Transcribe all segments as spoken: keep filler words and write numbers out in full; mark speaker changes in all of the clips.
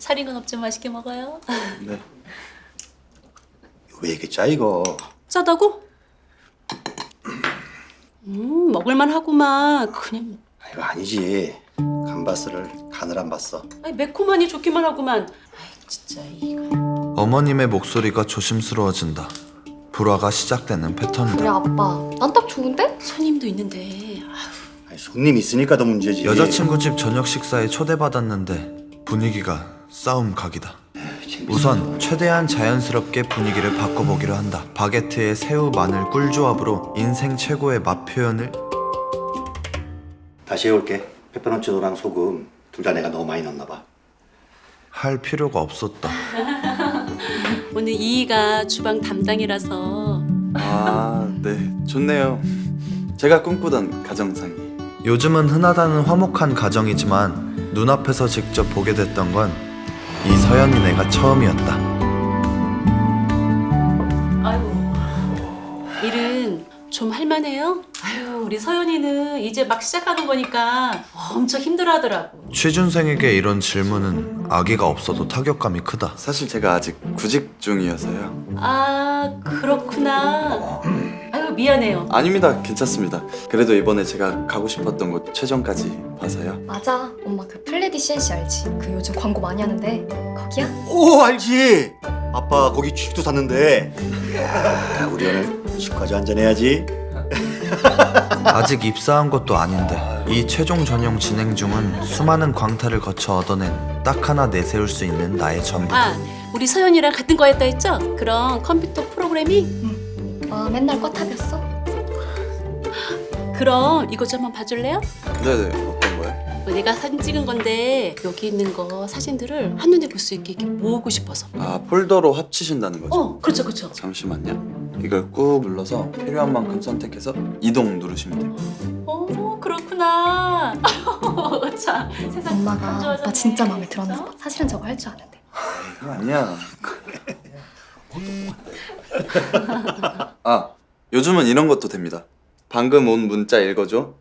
Speaker 1: 살인 건 없지만 맛있게 먹어요.
Speaker 2: 네.
Speaker 3: 왜 이렇게 짜 이거?
Speaker 1: 짜다고? 음 먹을만 하구만. 그냥
Speaker 3: 아, 이거 아니지. 감바스를 간을 안 봤어.
Speaker 1: 아니 매콤하니 좋기만 하구만. 아이 진짜 이거.
Speaker 2: 어머님의 목소리가 조심스러워진다. 불화가 시작되는
Speaker 4: 그래
Speaker 2: 패턴이다.
Speaker 4: 아빠 난 딱 좋은데?
Speaker 1: 손님도 있는데. 아휴.
Speaker 3: 아니, 손님 있으니까 더 문제지.
Speaker 2: 여자친구 집 저녁 식사에 초대받았는데 분위기가 싸움 각이다. 우선 최대한 자연스럽게 분위기를 바꿔보기로 한다. 바게트에 새우, 마늘, 꿀 조합으로 인생 최고의 맛 표현을.
Speaker 3: 다시 해올게. 페퍼론치노랑 소금 둘 다 내가 너무 많이 넣었나 봐.
Speaker 2: 할 필요가 없었다.
Speaker 1: 오늘 이이가 주방 담당이라서.
Speaker 5: 아, 네. 좋네요. 제가 꿈꾸던 가정상이.
Speaker 2: 요즘은 흔하다는 화목한 가정이지만 눈앞에서 직접 보게 됐던 건 이 서연이네가 처음이었다.
Speaker 1: 아이고. 일은 좀 할만해요? 아유 우리 서연이는 이제 막 시작하는 거니까 엄청 힘들어하더라고.
Speaker 2: 취준생에게 이런 질문은 아기가 없어도 타격감이 크다.
Speaker 5: 사실 제가 아직 구직 중이어서요.
Speaker 1: 아 그렇구나. 아유 미안해요.
Speaker 5: 아닙니다. 괜찮습니다. 그래도 이번에 제가 가고 싶었던 곳 최종까지 봐서요.
Speaker 4: 맞아 엄마 그 플레디 씨엔씨 알지? 그 요즘 광고 많이 하는데 거기야?
Speaker 3: 오 알지. 아빠 거기 취직도 샀는데. 이야, 우리 오늘 식과주 한잔 해야지.
Speaker 2: 아직 입사한 것도 아닌데 이 최종 전형 진행 중은 수많은 광탈을 거쳐 얻어낸 딱 하나 내세울 수 있는 나의 전부다.
Speaker 1: 아 우리 서연이랑 같은 거였다 했죠? 그럼 컴퓨터 프로그래밍?
Speaker 4: 아 맨날 꽈탑이었어?
Speaker 1: 그럼 이거 좀 한번 봐줄래요?
Speaker 5: 네네. 어떤 거요?
Speaker 1: 뭐 내가 사진 찍은 건데 여기 있는 거 사진들을 한눈에 볼 수 있게 이렇게 모으고 싶어서.
Speaker 5: 아, 폴더로 합치신다는 거죠?
Speaker 1: 어 그렇죠 그렇죠.
Speaker 5: 잠시만요. 이걸 꾹 눌러서 필요한 만큼 선택해서 이동 누르시면 돼요.
Speaker 1: 어 그렇구나. 참 세상
Speaker 4: 엄마가
Speaker 1: 안 좋아졌네.
Speaker 4: 나 진짜 마음에 들었나 봐. 사실은 저거 할 줄 아는데.
Speaker 5: 이거 아니야. 아, 요즘은 이런 것도 됩니다. 방금 온 문자 읽어줘.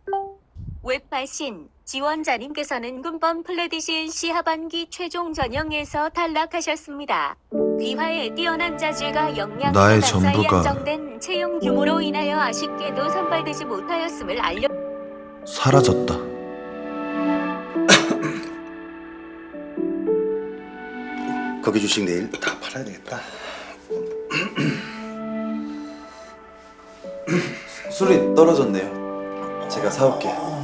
Speaker 6: 웹발신 지원자님께서는 군번 플래디시엔씨 하반기 최종 전형에서 탈락하셨습니다. 귀화의 뛰어난 자질과 역량,
Speaker 2: 나의
Speaker 6: 사이
Speaker 2: 전부가
Speaker 6: 안정된 채용 규모로 인하여 아쉽게도 선발되지 못하였음을 알려.
Speaker 2: 사라졌다.
Speaker 3: 거기 주식 내일 다 팔아야 되겠다.
Speaker 5: 술이 떨어졌네요. 제가 사올게요.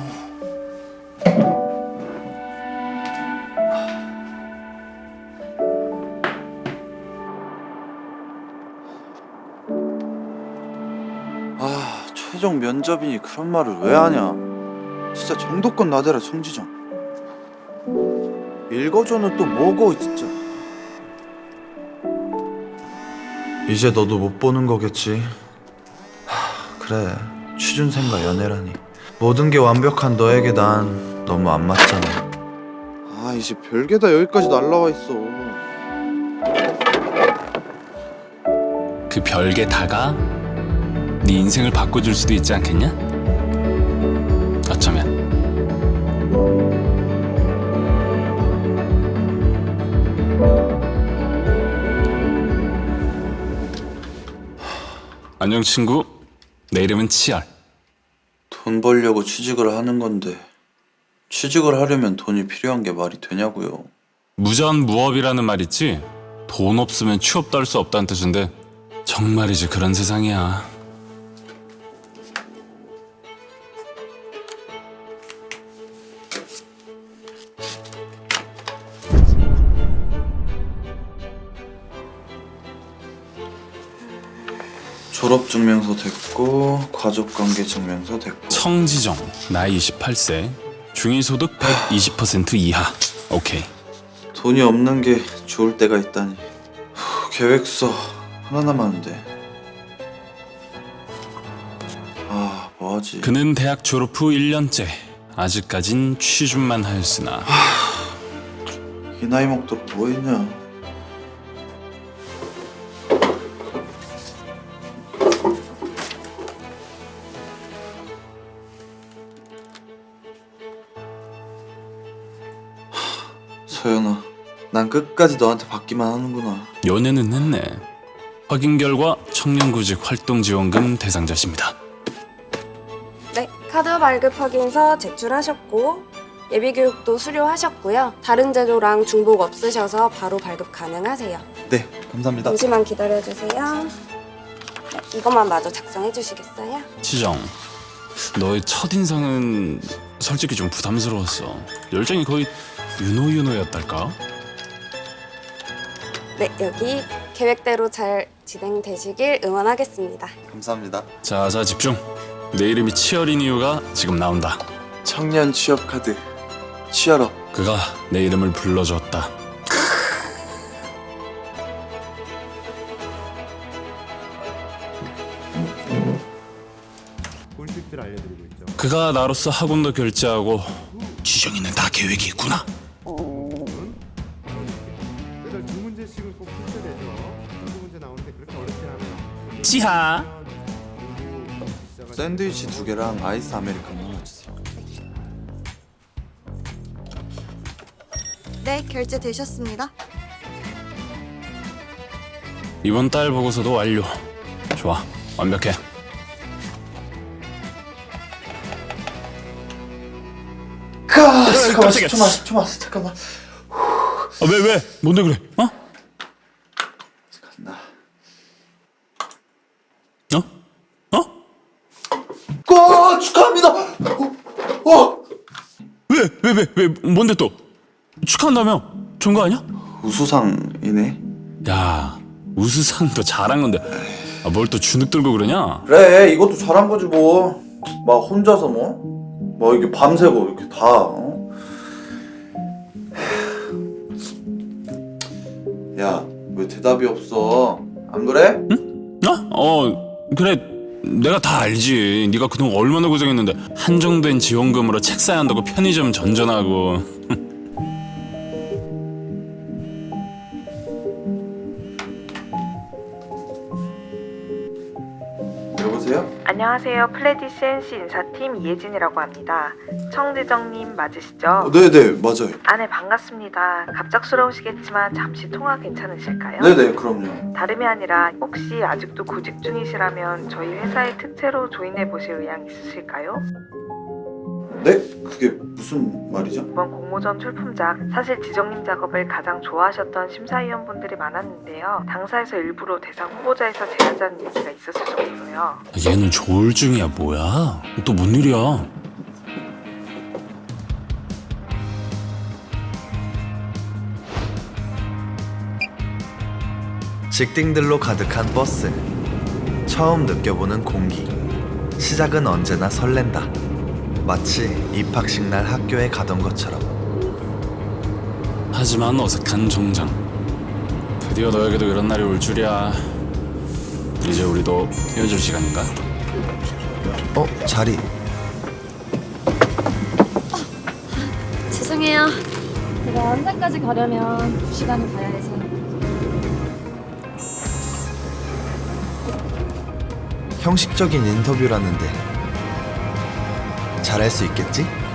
Speaker 5: 아, 최종 면접이니 그런 말을 왜 하냐. 진짜 정도껏 나대라 송지정. 읽어줘는 또 뭐고 진짜.
Speaker 2: 이제 너도 못 보는 거겠지. 하, 그래 취준생과 연애라니. 모든 게 완벽한 너에게 난 너무 안 맞잖아.
Speaker 5: 아, 이제 별게 다 여기까지 날라와 있어.
Speaker 7: 그 별게 다가 네 인생을 바꿔줄 수도 있지 않겠냐? 어쩌면. 안녕 친구, 내 이름은 치열.
Speaker 5: 돈 벌려고 취직을 하는 건데 취직을 하려면 돈이 필요한 게 말이 되냐고요.
Speaker 7: 무전무업이라는 말 있지? 돈 없으면 취업도 할 수 없다는 뜻인데 정말이지 그런 세상이야.
Speaker 5: 졸업증명서 됐고 가족관계 증명서 됐고.
Speaker 7: 성지정, 나이 이십팔 세, 중위소득 백이십 퍼센트 이하. 오케이.
Speaker 5: 돈이 없는 게 좋을 때가 있다니. 후, 계획서 하나 남았는데. 아, 뭐하지?
Speaker 7: 그는 대학 졸업 후 일 년째. 아직까진 취준만 하였으나
Speaker 5: 이 나이 먹도록 뭐 했냐. 서연아, 난 끝까지 너한테 받기만 하는구나.
Speaker 7: 연애는 했네. 확인 결과 청년구직 활동지원금 대상자십니다.
Speaker 8: 네, 카드 발급 확인서 제출하셨고 예비교육도 수료하셨고요. 다른 제도랑 중복 없으셔서 바로 발급 가능하세요.
Speaker 2: 네, 감사합니다.
Speaker 8: 잠시만 기다려주세요. 네, 이것만 마저 작성해 주시겠어요?
Speaker 7: 치정, 너의 첫인상은 솔직히 좀 부담스러웠어. 열정이 거의 윤호윤호였달까?
Speaker 8: 네, 여기 계획대로 잘 진행되시길 응원하겠습니다.
Speaker 2: 감사합니다.
Speaker 7: 자, 자 집중. 내 이름이 치열인 이유가 지금 나온다.
Speaker 5: 청년 취업 카드. 취업업.
Speaker 7: 그가 내 이름을 불러줬다.
Speaker 9: 꿀팁들 알려드리고 있죠.
Speaker 7: 그가 나로서 학원도 결제하고 지정이는 다 계획이 있구나.
Speaker 9: 매달 두 문제씩은 꼭 풀쳐내죠. 한두 문제 나오는데 그렇게 어렵지 않아요.
Speaker 7: 지하.
Speaker 5: 샌드위치 두 개랑 아이스 아메리카노 하나 주세요.
Speaker 10: 네, 결제되셨습니다.
Speaker 7: 이번 달 보고서도 완료. 좋아, 완벽해.
Speaker 5: 가. 잠깐만,
Speaker 7: 깜짝이야.
Speaker 5: 십 초만, 십 초만, 잠깐만.
Speaker 7: 아, 왜 왜? 뭔데 그래? 어?
Speaker 5: 나.
Speaker 7: 어? 어?
Speaker 5: 와, 축하합니다. 어, 어.
Speaker 7: 왜? 왜? 왜? 왜? 뭔데 또? 축하한다며? 좋은 거 아니야?
Speaker 5: 우수상이네.
Speaker 7: 야, 우수상도 잘한 건데 아, 뭘 또 주눅 들고 그러냐?
Speaker 5: 그래, 이것도 잘한 거지 뭐. 막 혼자서 뭐, 뭐 이렇게 밤새고 이렇게 다. 어? 야, 왜 대답이 없어? 안 그래?
Speaker 7: 어? 어, 그래. 내가 다 알지. 네가 그동안 얼마나 고생했는데 한정된 지원금으로 책 사야 한다고 편의점 전전하고.
Speaker 5: 여보세요?
Speaker 11: 안녕하세요. 플레디 씨엔씨 인사팀 이예진이라고 합니다. 청지정님 맞으시죠?
Speaker 5: 어, 네네, 맞아요.
Speaker 11: 아, 네, 반갑습니다. 갑작스러우시겠지만 잠시 통화 괜찮으실까요?
Speaker 5: 네네, 그럼요.
Speaker 11: 다름이 아니라 혹시 아직도 구직 중이시라면 저희 회사에 특채로 조인해 보실 의향 있으실까요?
Speaker 5: 네? 그게 무슨 말이죠?
Speaker 11: 이번 공모전 출품작 사실 지정님 작업을 가장 좋아하셨던 심사위원분들이 많았는데요. 당사에서 일부러 대상 후보자에서 제외하자는 얘기가 있었을 정도로요.
Speaker 7: 얘는 조울증이야 뭐야? 또 뭔 일이야?
Speaker 2: 직딩들로 가득한 버스. 처음 느껴보는 공기. 시작은 언제나 설렌다. 마치 입학식 날 학교에 가던 것처럼.
Speaker 7: 하지만 어색한 정장. 드디어 너에게도 이런 날이 올 줄이야. 이제 우리도 헤어질 시간인가?
Speaker 2: 어? 자리.
Speaker 4: 죄송해요. 제가 한산까지 가려면 두 시간을 가야 해서.
Speaker 2: 형식적인 인터뷰라는데 잘할 수 있겠지?